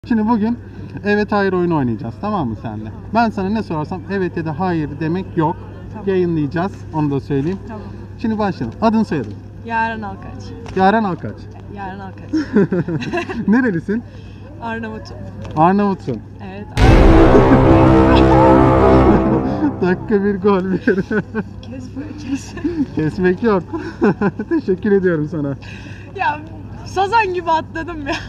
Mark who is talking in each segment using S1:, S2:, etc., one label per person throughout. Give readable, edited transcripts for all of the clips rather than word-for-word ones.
S1: Şimdi bugün evet hayır oyunu oynayacağız, tamam mı senle? Ben sana ne sorarsam evet ya da hayır demek yok.
S2: Tamam.
S1: Yayınlayacağız, onu da söyleyeyim.
S2: Tamam.
S1: Şimdi başlayalım. Adın soyadın.
S2: Yaren Alkaç.
S1: Yaren Alkaç.
S2: Yaren Alkaç.
S1: Nerelisin?
S2: Arnavut'um.
S1: Arnavutsun.
S2: Evet.
S1: Dakika bir gol bir.
S2: Kes böyle kes.
S1: Kesmek yok. Teşekkür ediyorum sana.
S2: Ya sazan gibi atladım ya.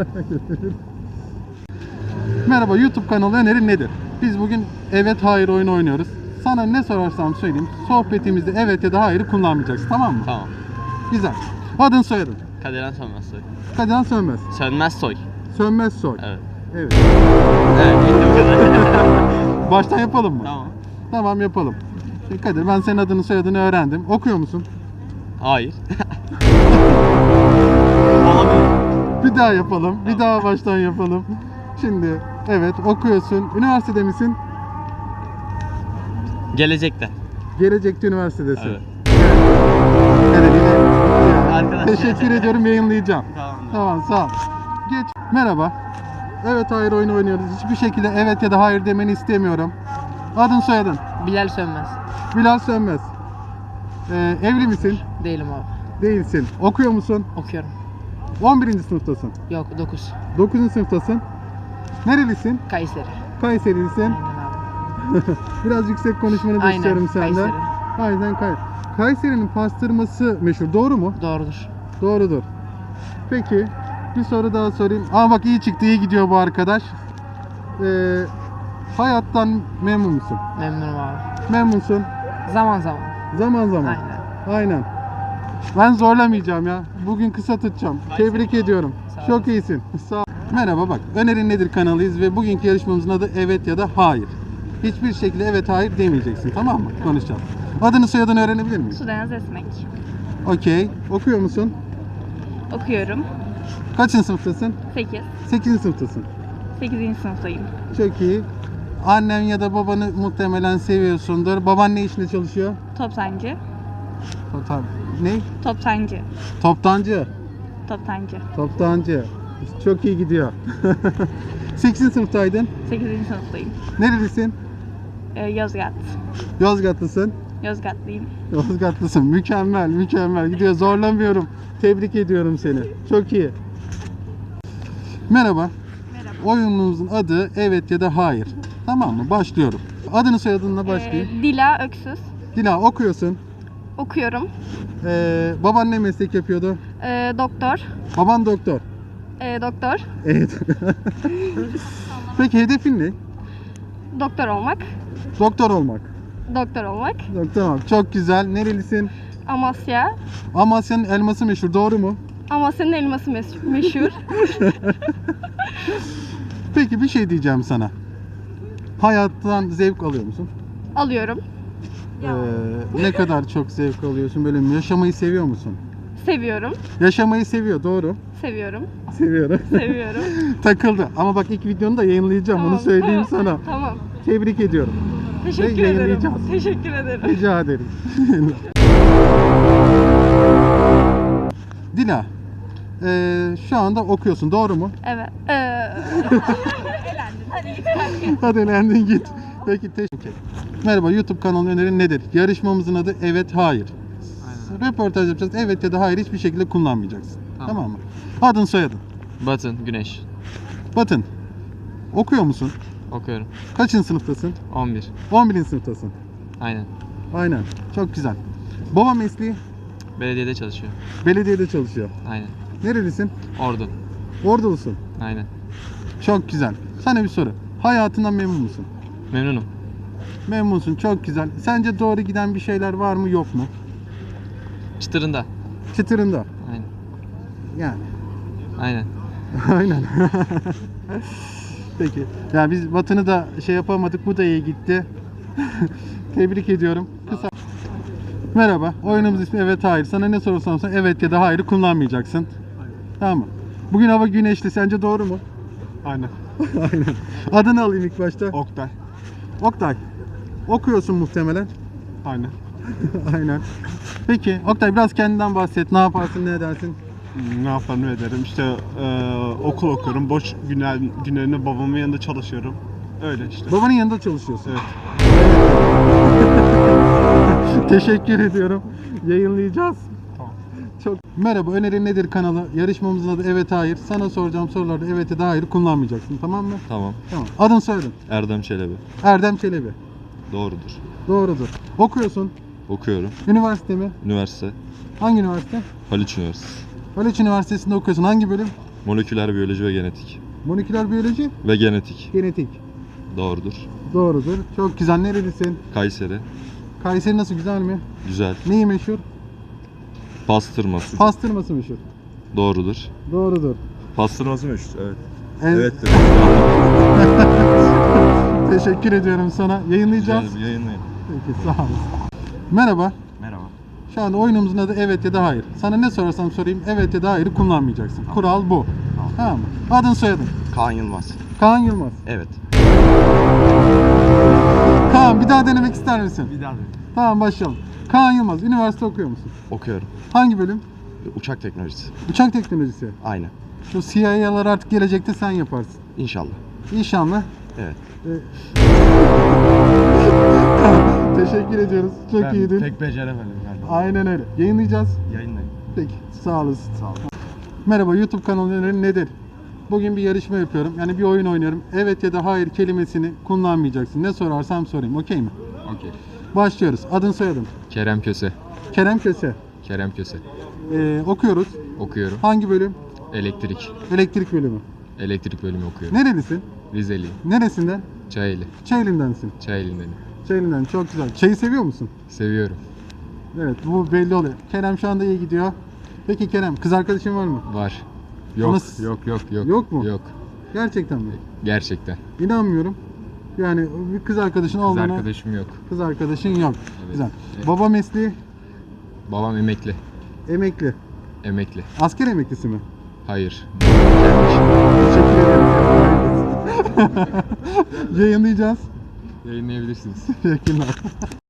S1: Merhaba, YouTube kanalı önerin nedir? Biz bugün evet hayır oyunu oynuyoruz. Sana ne sorarsam söyleyeyim. Sohbetimizde evet ya da hayır kullanmayacaksın, tamam mı?
S3: Tamam.
S1: Güzel. Adın soyadın.
S3: Kaderan Sönmez Soy.
S1: Kadir Sönmez.
S3: Sönmez Soy.
S1: Sönmez soy.
S3: Evet.
S1: Evet.
S3: Evet, bitti bu kadar.
S1: Baştan yapalım mı?
S3: Tamam.
S1: Tamam, yapalım. Şimdi Kadir, ben senin adını soyadını öğrendim. Okuyor musun?
S3: Hayır. Olabilir.
S1: Bir daha yapalım. Bir daha baştan yapalım. Şimdi evet okuyorsun. Üniversitede misin?
S3: Gelecekte.
S1: Gelecekte üniversitedesin.
S3: Evet.
S1: Evet, yine-
S3: Arkadaş.
S1: Teşekkür ediyorum, yayınlayacağım.
S3: Tamam.
S1: Tamam, sağ ol. Geç. Merhaba. Evet hayır oyunu oynuyoruz. Hiçbir şekilde evet ya da hayır demeni istemiyorum. Adın soyadın.
S4: Bilal Sönmez.
S1: Bilal Sönmez. Evli misin?
S4: Değilim abi.
S1: Değilsin. Okuyor musun?
S4: Okuyorum.
S1: 11. sınıftasın.
S4: Yok 9.
S1: 9. sınıftasın. Nerelisin?
S4: Kayseri.
S1: Kayserilisin.
S4: Aynen abi.
S1: Biraz yüksek konuşmanı da
S4: Aynen,
S1: istiyorum senden.
S4: Kayseri.
S1: Aynen Kayseri'nin pastırması meşhur. Doğru mu?
S4: Doğrudur.
S1: Doğrudur. Peki bir soru daha sorayım. Aa bak, iyi çıktı, iyi gidiyor bu arkadaş. Hayattan memnun musun?
S4: Memnunum abi.
S1: Memnunsun.
S4: Zaman zaman.
S1: Zaman zaman.
S4: Aynen.
S1: Aynen. Ben zorlamayacağım ya. Bugün kısa tutacağım. Tebrik ediyorum.
S4: Sağ
S1: Çok iyisin. Sağ ol. Merhaba, bak. Önerin nedir kanalıyız ve bugünkü yarışmamızın adı evet ya da hayır. Hiçbir şekilde evet hayır demeyeceksin, tamam mı? Konuşacağız. Adını soyadını öğrenebilir miyim?
S2: Sudenaz Esmek.
S1: Okey. Okuyor musun?
S2: Okuyorum.
S1: Kaçıncı sınıftasın?
S2: 8.
S1: 8. sınıftasın.
S2: 8. sınıftayım.
S1: Çok iyi. Annen ya da babanı muhtemelen seviyorsundur. Baban ne işinde çalışıyor?
S2: Toptancı.
S1: Ne?
S2: Toptancı.
S1: Toptancı.
S2: Toptancı.
S1: Toptancı. Çok iyi gidiyor. 8. sınıftaydın.
S2: 8. sınıftayım.
S1: Nerelisin?
S2: Yozgat.
S1: Yozgatlısın.
S2: Yozgatlıyım.
S1: Yozgatlısın. Mükemmel, mükemmel. Gidiyor. Zorlamıyorum. Tebrik ediyorum seni. Çok iyi. Merhaba.
S2: Merhaba.
S1: Oyunumuzun adı evet ya da hayır. Tamam mı? Başlıyorum. Adını soyadınla başlayayım.
S2: Dila Öksüz.
S1: Dila, okuyorsun.
S2: Okuyorum.
S1: Baban ne meslek yapıyordu?
S2: Doktor.
S1: Baban doktor.
S2: Doktor.
S1: Evet. Peki hedefin ne?
S2: Doktor olmak.
S1: Doktor olmak.
S2: Doktor olmak.
S1: Doktor olmak. Çok güzel. Nerelisin?
S2: Amasya.
S1: Amasya'nın elması meşhur. Doğru mu?
S2: Amasya'nın elması meşhur.
S1: Peki bir şey diyeceğim sana. Hayattan zevk alıyor musun?
S2: Alıyorum.
S1: Ne kadar çok zevk alıyorsun? Böyle yaşamayı seviyor musun?
S2: Seviyorum.
S1: Yaşamayı seviyor. Doğru.
S2: Seviyorum.
S1: Seviyorum.
S2: Seviyorum.
S1: Takıldı. Ama bak, ilk videonu da yayınlayacağım.
S2: Tamam,
S1: Onu söyleyeyim
S2: tamam,
S1: sana.
S2: Tamam.
S1: Tebrik ediyorum.
S2: Teşekkür
S1: Ve
S2: ederim.
S1: yayınlayacağız.
S2: Teşekkür ederim.
S1: Rica ederim. Dila, şu anda okuyorsun, doğru mu?
S2: Evet.
S1: Hadi elendin git. Peki, teşekkür. Merhaba, YouTube kanalı önerin nedir? Yarışmamızın adı evet hayır. Röportaj yapacağız. Evet ya da hayır hiçbir şekilde kullanmayacaksın. Tamam mı? Adın soyadın.
S3: Batın, Güneş.
S1: Batın. Okuyor musun?
S3: Okuyorum.
S1: Kaçıncı sınıftasın?
S3: 11.
S1: 11. sınıftasın.
S3: Aynen.
S1: Aynen. Çok güzel. Baba mesleği
S3: Belediyede çalışıyor.
S1: belediyede çalışıyor.
S3: Aynen.
S1: Nerelisin?
S3: Ordu.
S1: Ordulusun.
S3: Aynen.
S1: Çok güzel. Sana bir soru. Hayatından memnun musun?
S3: Memnunum.
S1: Memnunsun. Çok güzel. Sence doğru giden bir şeyler var mı, yok mu?
S3: Çıtırında.
S1: Çıtırında.
S3: Aynen.
S1: Yani.
S3: Aynen.
S1: Aynen. Peki. Ya biz Batı'nı da şey yapamadık. Bu da iyi gitti. Tebrik ediyorum. Kısa. Merhaba. Oyunumuz ismi evet hayır. Sana ne sorursam sor evet ya da hayır kullanmayacaksın. Tamam mı? Bugün hava güneşli. Sence doğru mu?
S5: Aynen.
S1: Aynen. Adını alayım ilk başta.
S5: Oktay.
S1: Oktay. Okuyorsun muhtemelen.
S5: Aynen.
S1: Aynen. Peki Oktay, biraz kendinden bahset. Ne yaparsın, ne edersin?
S5: Ne yapar ne ederim. İşte okul okuyorum. Boş günlerinde babamın yanında çalışıyorum. Öyle işte.
S1: Babanın yanında çalışıyorsun.
S5: Evet.
S1: Teşekkür ediyorum. Yayınlayacağız. Çok. Merhaba, önerin nedir kanalı? Yarışmamızın adı Evet Hayır. Sana soracağım sorularda evet ya da hayır kullanmayacaksın, tamam mı?
S6: Tamam.
S1: Tamam. Adın soyadın.
S6: Erdem Çelebi.
S1: Erdem Çelebi.
S6: Doğrudur.
S1: Doğrudur. Okuyorsun.
S6: Okuyorum.
S1: Üniversite mi?
S6: Üniversite.
S1: Hangi üniversite?
S6: Haliç Üniversitesi.
S1: Haliç Üniversitesi'nde okuyorsun. Hangi bölüm?
S6: Moleküler biyoloji ve genetik.
S1: Moleküler biyoloji,
S6: Ve genetik.
S1: genetik.
S6: Doğrudur.
S1: Doğrudur. Çok güzel. Nerelisin?
S6: Kayseri.
S1: Kayseri nasıl, güzel mi?
S6: Güzel.
S1: Neyi meşhur?
S6: Pastırması.
S1: Pastırması meşhur.
S6: Doğrudur.
S1: Doğrudur.
S6: Pastırması meşhur. Evet.
S1: En-
S6: Evettir.
S1: Teşekkür ediyorum sana. Yayınlayacağız.
S6: Güzel bir yayınlayın.
S1: Peki, sağ olun. Merhaba.
S6: Merhaba.
S1: Şu anda oyunumuzun adı evet ya da hayır. Sana ne sorarsam sorayım evet ya da hayırı kullanmayacaksın. Kural bu. Tamam mı? Adın soyadın.
S6: Kaan Yılmaz.
S1: Kaan Yılmaz.
S6: Evet.
S1: Kaan, bir daha denemek ister misin?
S6: Bir daha
S1: Tamam, başlayalım. Kaan Yılmaz, üniversite okuyor musun?
S6: okuyorum.
S1: Hangi bölüm?
S6: Uçak teknolojisi.
S1: Uçak teknolojisi.
S6: Aynen.
S1: Şu CIA'lar artık gelecekte sen yaparsın.
S6: İnşallah.
S1: İnşallah.
S6: Evet.
S1: Teşekkür ediyoruz. Çok iyiydin.
S6: Pek beceremedim galiba.
S1: Aynen öyle. Yayınlayacağız.
S6: Yayınlayın.
S1: Peki, sağ olasın. Sağ olun. Merhaba, YouTube kanalı önerin nedir? Bugün bir yarışma yapıyorum. Yani bir oyun oynuyorum. Evet ya da hayır kelimesini kullanmayacaksın. Ne sorarsam sorayım. Okey mi?
S3: Okey.
S1: Başlıyoruz. Adın soyadın.
S3: Kerem Köse.
S1: Kerem Köse.
S3: Kerem Köse.
S1: Okuyoruz.
S3: Okuyorum.
S1: Hangi bölüm?
S3: Elektrik.
S1: Elektrik bölümü.
S3: Elektrik bölümü okuyorum.
S1: Nerelisin?
S3: Rizeliyim.
S1: Neresinden?
S3: Çayeli.
S1: Çayeli'ndensin.
S3: Çayeli'ndenim.
S1: Çayeli'den, çok güzel. Çayı seviyor musun?
S3: Seviyorum.
S1: Evet, bu belli oluyor. Kerem şu anda iyi gidiyor. Peki Kerem, kız arkadaşın var mı?
S3: Var. Yok.
S1: Ama-
S3: Yok.
S1: Yok mu?
S3: Yok.
S1: Gerçekten mi?
S3: Gerçekten.
S1: İnanmıyorum. Yani bir kız arkadaşın
S3: Kız
S1: olduğuna...
S3: arkadaşım yok.
S1: Kız arkadaşın yok.
S3: Evet.
S1: Güzel.
S3: Evet.
S1: Baba mesleği
S3: Babam emekli.
S1: emekli.
S3: Emekli.
S1: Asker emeklisi mi?
S3: Hayır. Kendi işim.
S1: Teşekkür ederim. Yayınlayacağız.
S3: Yayınlayabilirsiniz.
S1: Teşekkürler.